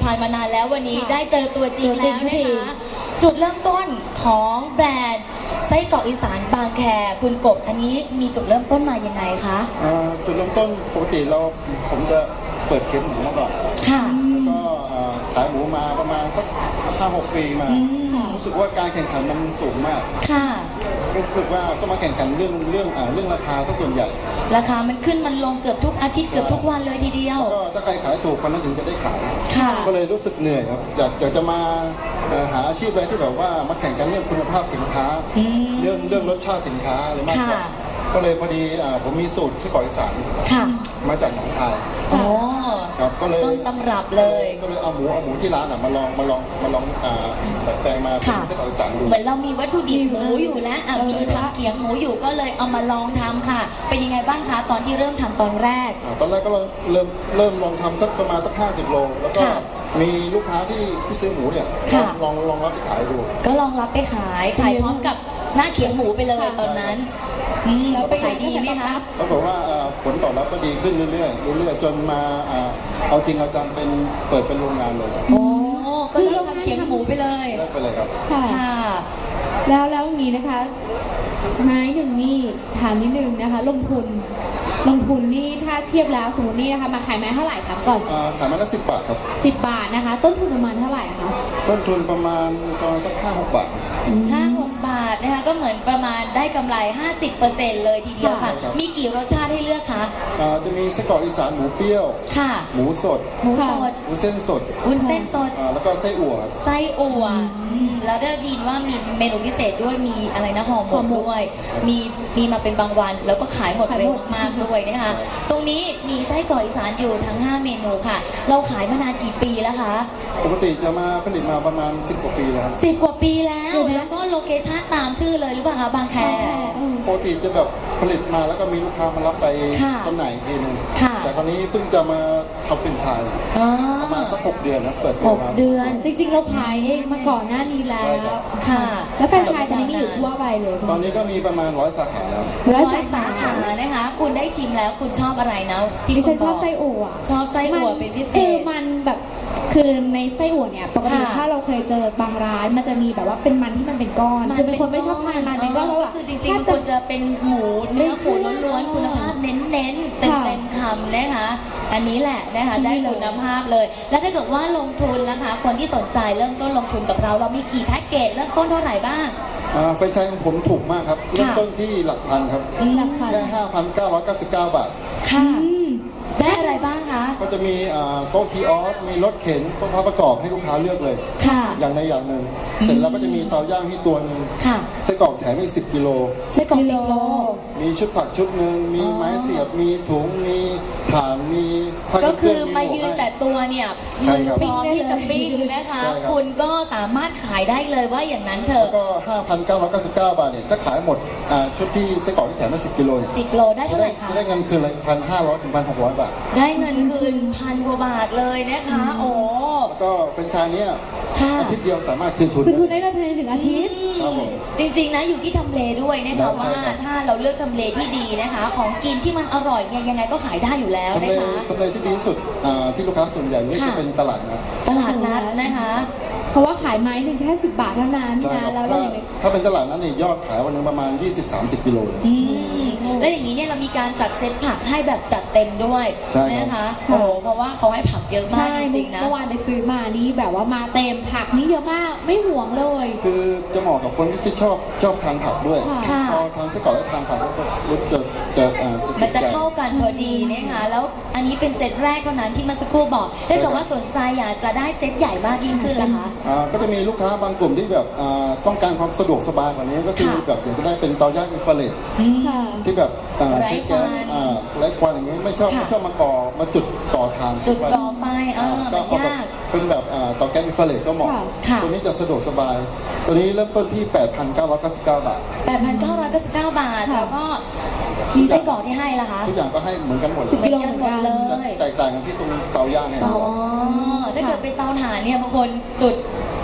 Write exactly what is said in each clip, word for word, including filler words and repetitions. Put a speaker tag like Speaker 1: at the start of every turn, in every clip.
Speaker 1: ภัณฑ์มานานแล้ววันนี้ได้เจอตัวจริงแล้วนะคะจุดเริ่มต้นของแบรนด์ไส้กรอกอีสานบางแคคุณกบอันนี้มีจุดเริ่มต้นมายังไงคะ
Speaker 2: จุดเริ่มต้นปกติเราผมจะเปิดเค็มหมูมาก่อน
Speaker 1: ค่ะ
Speaker 2: แล้วก็ขายหมูมาประมาณสักห้าหกปีมารู้สึกว่าการแข่งขันมันสูงมาก
Speaker 1: ค่ะ
Speaker 2: รู้สึกว่าต้องมาแข่งขันเรื่องเรื่องเรื่องราคาซะส่วนใหญ่
Speaker 1: ราคามันขึ้นมันลงเกือบทุกอาทิตย์เกือบทุกวันเลยทีเดียว
Speaker 2: ก็ถ้าใครขายถูกคนนั้นถึงจะได้ขายก็เลยรู้สึกเหนื่อยครับอยากอยากจะมาหาอาชีพอะไรที่แบบว่ามาแข่งกันเรื่องคุณภาพสินค้าเรื่องเรื่องรสชาติสินค้าอะไรมากกว่าก็เลยพอดีผมมีสูตรไส้กรอกอีสานมาจากหนองคาย
Speaker 1: อ๋อ
Speaker 2: ครับก็เลย
Speaker 1: ต้นตำรับเลย
Speaker 2: ก็เลยเอาหมูเอาหมูที่ร้านอ่ะมาลองมาลองมาลองอ่าดัดแปลงมาเป็นไส้กรอกอีสานดู
Speaker 1: เหมือนเรามีวัตถุดิบหมูอยู่แล้วอ่ะมีทำเกี๊ยวหมูอยู่ก็เลยเอามาลองทำค่ะเป็นยังไงบ้างคะตอนที่เริ่มทำตอนแรก
Speaker 2: ตอนแรกก็เริ่มเริ่มลองทำสักประมาณสักห้าสิบโลแล้วก็มีลูกค้าที่ที่ซื้อหมูเนี่ยลองลองรับไปขายดู
Speaker 1: ก็ลองรับไปขายขายพร้อมกับหน้าเขียงหมูไปเลยตอนนั้นแล้วไปขายดีไหมคะ
Speaker 2: ปรากฏว่าผลตอบรับก็ดีขึ้นเรื่อยๆเรื่อยๆจนมาเอาจริงเอาจังเป็นเปิดเป็นโรงงานเลย
Speaker 1: โอ้ก็เลยทำเขียงหมูไปเลย
Speaker 2: ไปเลยครับ
Speaker 3: ค่ะแล้วแล้วนี้นะคะไม้หนึ่งนี่ถามนิดนึงนะคะลงทุนลงทุนนี่ถ้าเทียบแล้วสมมตินี่นะคะมาขายไม้เท่าไหร่ครับก่อน
Speaker 2: ขายไม้ละสิบบาทครับ
Speaker 3: สิบบาทนะคะต้นทุนประมาณเท่าไหร่คะ
Speaker 2: ต้นทุนประมาณประมาณสักห้าหกบาท
Speaker 1: ห้าหกบาทนะคะก็เหมือนประมาณได้กำไร ห้าสิบเปอร์เซ็นต์ เลยทีเดียวค่ะมีกี่รสชาติให้เลือกคะ
Speaker 2: จะมีไส้กรอกอีสานหมูเปรี้ยว
Speaker 1: ค่ะ
Speaker 2: หมูสด
Speaker 1: หมูสด
Speaker 2: หมูเส้นสด
Speaker 1: วุ้นเส้นสด
Speaker 2: แล้วก็ไส้อั่ว
Speaker 1: ไส้อั่วแล้วได้ยินว่ามีเมนูพิเศษด้วยมีอะไรนะห่อหมกด้วยมีมีมาเป็นบางวันแล้วก็ขายหมดเร็วมากด้วยนะคะตรงนี้มีไส้กรอกอีสานอยู่ทั้งห้าเมนูค่ะเราขายมานานกี่ปีแล้วคะ
Speaker 2: ปกติจะมาผลิตมาประมาณสิบกว่าปีแล้วครับ
Speaker 1: สิบกว่าปีแล้วแล้วก็โลเคชั่นตามชื่อเลยหรือเปล่าคะบางแค
Speaker 2: ปกติจะแบบผลิตมาแล้วก็มีลูกค้ามารับไปจำหน่ายทีนึงแต่คราวนี้เพิ่งจะมาทำเป็นไชายประมาณสักหกเดือนนะเปิดตัวมา
Speaker 1: เดือน
Speaker 3: จริงๆเราขายเองมาก่อนหน้านี้แล้วค่ะแล้วแฟรนไชส์ตอนนี้มีอยู่ทั่วไปเลย
Speaker 2: ตอนนี้ก็มีประมาณร้อยสาขาแล้ว
Speaker 1: ร้อยสาขานะคะคุณได้ชิมแล้วคุณชอบอะไรนะ
Speaker 3: ที่ฉันชอบไส้อั่ว
Speaker 1: ชอบไส้อั่วเป็นพิเศษ
Speaker 3: คือมันแบบคือในไส้อั่วเนี่ยปกติถ้าเราเคยเจอบางร้านมันจะมีแบบว่าเป็นมันที่มันเป็นก้อนคือเป็นคนไม่ชอบทานมันเป็นก้อนแล้ว
Speaker 1: คือจริงๆมันควรจะเป็นหมูเนื้อหมูล้วนๆคุณภาพเน้นๆเต็มๆคำนะคะอันนี้แหละนะคะได้คุณภาพเลยแล้วถ้าเกิดว่าลงทุนนะคะคนที่สนใจเริ่มต้นลงทุนกับเราเรามีกี่แพ็กเกจเริ่มต้นเท่าไหร่บ้าง
Speaker 2: แฟรนไชส์ของผมถูกมากครับเริ่มต้นที่หลักพันครับแค่ห้าพันเก้าร้อยเก้าสิบเก้าบาท
Speaker 1: ค่ะได้อะไรบ้างคะ
Speaker 2: ก็จะมีโต๊ะคีออสมีรถเข็นโต๊ะพับประกอบให้ลูกค้าเลือกเลย
Speaker 1: ค่ะ
Speaker 2: อย่างในอย่างหนึ่งเสร็จแล้วก็จะมีเตาย่างให้ตัวนึง
Speaker 1: ค่ะ
Speaker 2: ไส้กรอกแถมอีกสิบกิโล
Speaker 1: ไส้กรอกสิบโล
Speaker 2: มีชุดผักชุดหนึ่งมีไม้เสียบมีถุงมีถ่านมี
Speaker 1: ก็คือมายืนแต่ตัวเนี่ยมือพร้อมที่จะปิ้งนะคะคุณก็สามารถขายได้เลยว่าอย่างนั้นเถอะ
Speaker 2: ก็ ห้าพันเก้าร้อยเก้าสิบเก้าบาทเนี่ยจะขายหมดชุดที่ไส้กรอกที่แถมมาสิบกิโล
Speaker 1: สิบโลได้เท่าไหร่คะ
Speaker 2: จะได้เงินคืนเลยพันห้าร้อยถึงพันหกร้อยบาท
Speaker 1: ได้เงินคืนพันกว่าบาทเลยนะคะโอ้
Speaker 2: แล้วก็แฟรนไชส์เนี่ยอาทิตย์เดียวสามารถคืนทุน
Speaker 3: คืนทุนได้ภายในหนึ่งอาทิตย์
Speaker 1: จริงๆนะอยู่ที่ทำเลด้วยนะคะว่าถ้าเราเลือกทำเลที่ดีนะคะของกินที่มันอร่อยเนี่ยยังไงก็ขายได้อยู่แล้วนะคะ
Speaker 2: ทำเลที่ดีที่สุดที่ลูกค้าส่วนใหญ่นี่จะเป็นตลาดนัด
Speaker 1: ตลาดนัดนะคะ
Speaker 3: เพราะว่าขายไม้หนึ่งแค่สิบบาทเท่านั้นนะแล้ว
Speaker 2: ถ้าเป็นตลาดนั้นเนี่ยยอดขายวันนึงประมาณ ยี่สิบถึงสามสิบ กิโลเลย
Speaker 1: แล้วอย่างนี้เนี่ยเรามีการจัดเซตผักให้แบบจัดเต็มด้วยนะคะโอ้เพราะว่าเขาให้ผักเยอะมากจริงๆนะ
Speaker 3: เมื่อวานไปซื้อมานี่แบบว่ามาเต็มผักนี่เยอะมากไม่ห่วงเลย
Speaker 2: คือจะเหมาะกับคนที่ชอบชอบทานผักด้วยพอทานไส้กรอกแล้วทานผักก็รู้จะจะ
Speaker 1: มันจะเข้ากันพอดีนะคะแล้วอันนี้เป็นเซตแรกเท่านั้นที่มาสักครู่บอกถ้าเกิดว่าสนใจอยากจะได้เซตใหญ่มากยิ่งขึ้นล่ะคะ
Speaker 2: ก็จะมีลูกค้าบางกลุ่มที่แบบต้องการความสะดวกสบายกว่านี้ก็คือแบบอยากจะได้เป็นเตาย่างอินฟราเรดที่แบบใช้แก๊สไร้ควันอย่างนี้ไม่ชอบไม่ชอบมาก่อมาจุดก่อถ่าน
Speaker 1: จุดก่อไฟก็
Speaker 2: เอาแบบเป็นแบบเตาแก๊สอินฟราเรดก็เหมาะตัวนี้จะสะดวกสบายตัวนี้เริ่มต้นที่ แปดพันเก้าร้อยเก้าสิบเก้า บาท
Speaker 1: แปดพันเก้าร้อยเก้าสิบเก้า บาทแล้วก็มีไส้กรอกที่ให้ล่ะคะ
Speaker 2: ทุกอย่างก็ให้เหมือนกันหมดเลย
Speaker 1: เหมือนกันหมดเลย
Speaker 2: แตกต่างกันที่ตรงเตาย่างเนี่ย
Speaker 1: อ๋อถ้าเกิดเป็นเตาถ่านเนี่ยบางคนจุดเต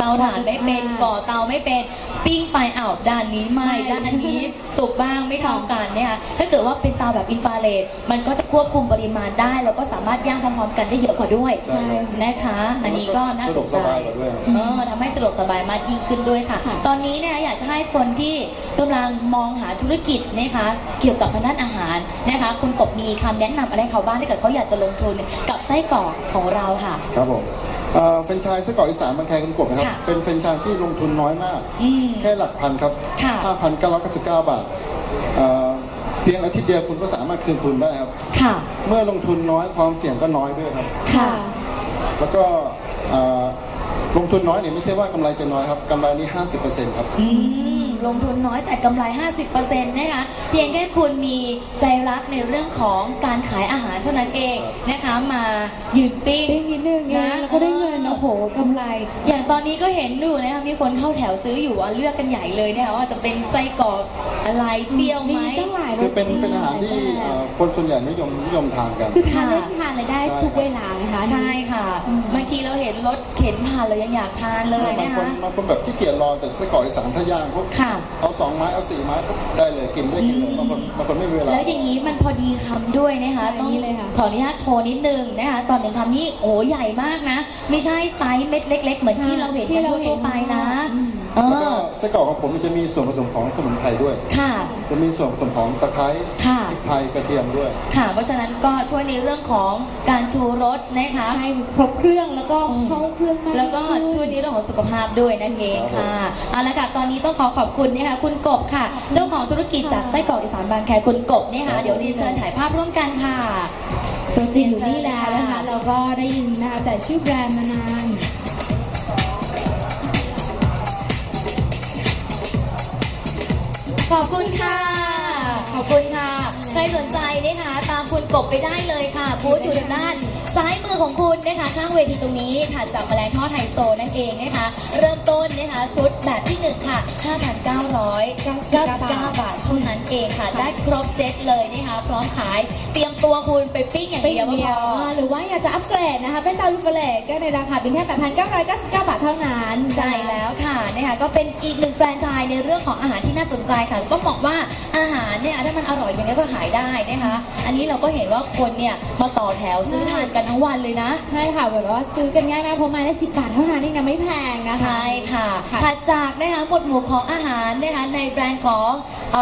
Speaker 1: าถ่านไม่เป็นก่อเตาไม่เป็นปิ้งไปอ้าวด้านนี้ไหม่ด้านอันนี้สุกบ้างไม่เท่ากันเนี่ยค่ะถ้าเกิดว่าเป็นเตาแบบอินฟราเรดมันก็จะควบคุมปริมาณได้แล้วก็สามารถย่างพร้อมๆกันได้เยอะกว่าด้วย
Speaker 2: ใช่ครับ
Speaker 1: นะคะ อันนี้ก็น่า
Speaker 2: สะด
Speaker 1: ส
Speaker 2: วก
Speaker 1: น
Speaker 2: ส
Speaker 1: ใจ
Speaker 2: บายกว่าด้วย
Speaker 1: เออทำให้สะดวกสบายมากยิ่งขึ้นด้วยค่ะ ตอนนี้เนี่ยอยากจะให้คนที่กำลังมองหาธุรกิจนะคะเกี่ยวกับทางด้านอาหารนะคะคุณกบมีคำแนะนำอะไรเขาบ้างถ้าเกิดเขาอยากจะลงทุนกับไส้กรอกของเราค่ะ
Speaker 2: ครับผมเอ่อแฟรนไชส์ไส้กรอกอีสานบางแคคุณกบนะครับ
Speaker 1: ค่ะ
Speaker 2: เป็นแฟรนไชส์ที่ลงทุนน้อยมาก
Speaker 1: อืม
Speaker 2: แค่หลักพันครับ
Speaker 1: ค่ะ
Speaker 2: ห้าพันเก้าร้อยเก้าสิบเก้าบาทเอ่อเพียงอาทิตย์เดียวคุณก็สามารถคืนทุนได้ครับ
Speaker 1: ค่ะ
Speaker 2: เมื่อลงทุนน้อยความเสี่ยงก็น้อยด้วยครับ
Speaker 1: ค่ะ
Speaker 2: แล้วก็เอ่อลงทุนน้อยเนี่ยไม่ใช่ว่ากำไรจะน้อยครับกำไรนี่ห้าสิบเปอร์เซ็นต์ครับ
Speaker 1: อืมลงทุนน้อยแต่กำไร ห้าสิบเปอร์เซ็นต์ นะคะ เพียงแค่คุณมีใจรักในเรื่องของการขายอาหารเท่านั้นเองนะคะ มายืนปิ้ง
Speaker 3: ปิ้งนิดนึงเองแล้วก็ได้เงินโอ้โหกำไร
Speaker 1: อย่างตอนนี้ก็เห็นอยู่นะคะมีคนเข้าแถวซื้ออยู่อ่ะเลือกกันใหญ่เลยนะคะว่าจะเป็นไส้กรอกอะไรเปรี้ยวไหม
Speaker 3: มีตั้งหลายร
Speaker 2: คือ
Speaker 3: ส
Speaker 2: เป็นเป็นอาหารที่เอ่อคนส่วนใหญ่นิยมนิยมทานกัน
Speaker 3: คือทาน
Speaker 1: ค่ะ
Speaker 3: เล่นทานอะไรได้
Speaker 2: ใช่
Speaker 3: ทุกเวลานะคะ
Speaker 1: ใช่ค่ะ
Speaker 3: อืม
Speaker 1: บางทีเราเห็นรถเข็นผ่านเรายังอยากทานเลย
Speaker 2: บาง
Speaker 1: นะ
Speaker 2: คน
Speaker 1: คะ
Speaker 2: บางคนแบบขี้เกียจรอแต่ไส้กรอกอีสานถ้าย่างปุ๊บ
Speaker 1: ค่ะ
Speaker 2: เอาสองไม้เอาสี่ไม้ปุ๊บได้เลยกินได้กินเลยบางคนบางคนไม่มีเวลา
Speaker 1: แล้วอย่างนี้มันพอดีคำด้วยนะคะ
Speaker 3: ใช่
Speaker 1: ต้อง
Speaker 3: นี่เลยค่ะ
Speaker 1: ขออนุญาตโชว์นิดนึงนะคะตอนหนึ่งคำนี้โอ้ใหญ่มากนะ ไม่ใช่ไซส์เม็ดเล็ก ๆ เหมือนที่เราเห็น
Speaker 3: ที่
Speaker 1: กัน
Speaker 3: เราเห็น
Speaker 1: ทั่วๆไปนะ
Speaker 3: อืม
Speaker 1: เอ
Speaker 2: แล้วก็
Speaker 1: อ
Speaker 2: ไส้กรอกของผมมันจะมีส่วนผสมของสมุนไพรด้วย
Speaker 1: ค่ะ
Speaker 2: จะมีส่วนผสมของตะไคร้
Speaker 1: ค่ะ
Speaker 2: พริกไทยกระเทียมด้วย
Speaker 1: ค่ะ เพราะฉะนั้นก็ช่วยในเรื่องของการชูรสนะคะ
Speaker 3: ให้ครบเครื่องแล้วก็เข้าเครื่องมาก
Speaker 1: แล้วก็
Speaker 3: ยิ่งขึ้น
Speaker 1: ช่วยในเรื่องของสุขภาพด้วยนั่นเอง
Speaker 2: ครับผม
Speaker 1: ค่ะเอาละค่ะตอนนี้ต้องขอขอบคุณนะคะคุณกบค่ะ เจ้าของธุรกิจจากไส้กรอกอีสานบางแคคุณกบเนี่ยค่ะเดี๋ยวเรียนเชิญถ่ายภาพร่วมกันค่ะ
Speaker 3: ตัวจริงอยู่นี่แล้วนะคะเราก็ได้ยินนะคะแต่ชื่อแบรนด์มานาน
Speaker 1: ขอบคุณค่ะ ขอบคุณค่ะ ใครสนใจนะคะตามคุณกบไปได้เลยค่ะบูธอยู่ทางด้านซ้ายมือของคุณนะคะข้างเวทีตรงนี้ถัดจากแมลงทอดไฮโซนั่นเองนะคะ เริ่มต้นนะคะชุดแบบที่หนึ่งค่ะ ห้าพันเก้าร้อยเก้าสิบเก้า บาทเท่านั้นเองค่ะ ได้ครบเซตเลยนะคะ พร้อมขายเตรียมตัวคุณไปปิ้งอย่าง
Speaker 3: เป็น
Speaker 1: เดียวก็
Speaker 3: เดี
Speaker 1: พ
Speaker 3: ยว
Speaker 1: อ
Speaker 3: หรือว่าอยากจะอัปเกรดนะคะ เป็นเตาอินฟราเรดก็ในราคาเพียงแค่ แปดพันเก้าร้อยเก้าสิบเก้า บาทเท่านั้น
Speaker 1: ใช่แล้วค่ะนะคะก็เป็นอีกหนึ่งแฟรนไชส์ในเรื่องของอาหารที่น่าสนใจค่ะก็บอกว่าอาหารเนี่ยถ้ามันอร่อยอย่างนี้ก็ขายได้นะคะ อันนี้เราก็เห็นว่าคนเนี่ยมาต่อแถวซื้อทานกันทั้งวันเลยนะ
Speaker 3: ใช่ค่ะแบบว่าซื้อกันง่ายมากเพราะไมาได้สิบบาทเท่านั้นเองนะไม่แพงนะคะ
Speaker 1: ใช่ค่ะ
Speaker 3: ค่ะ
Speaker 1: ถัดจากนะคะหมวดหมู่ของอาหารนะคะในแบรนด์ของ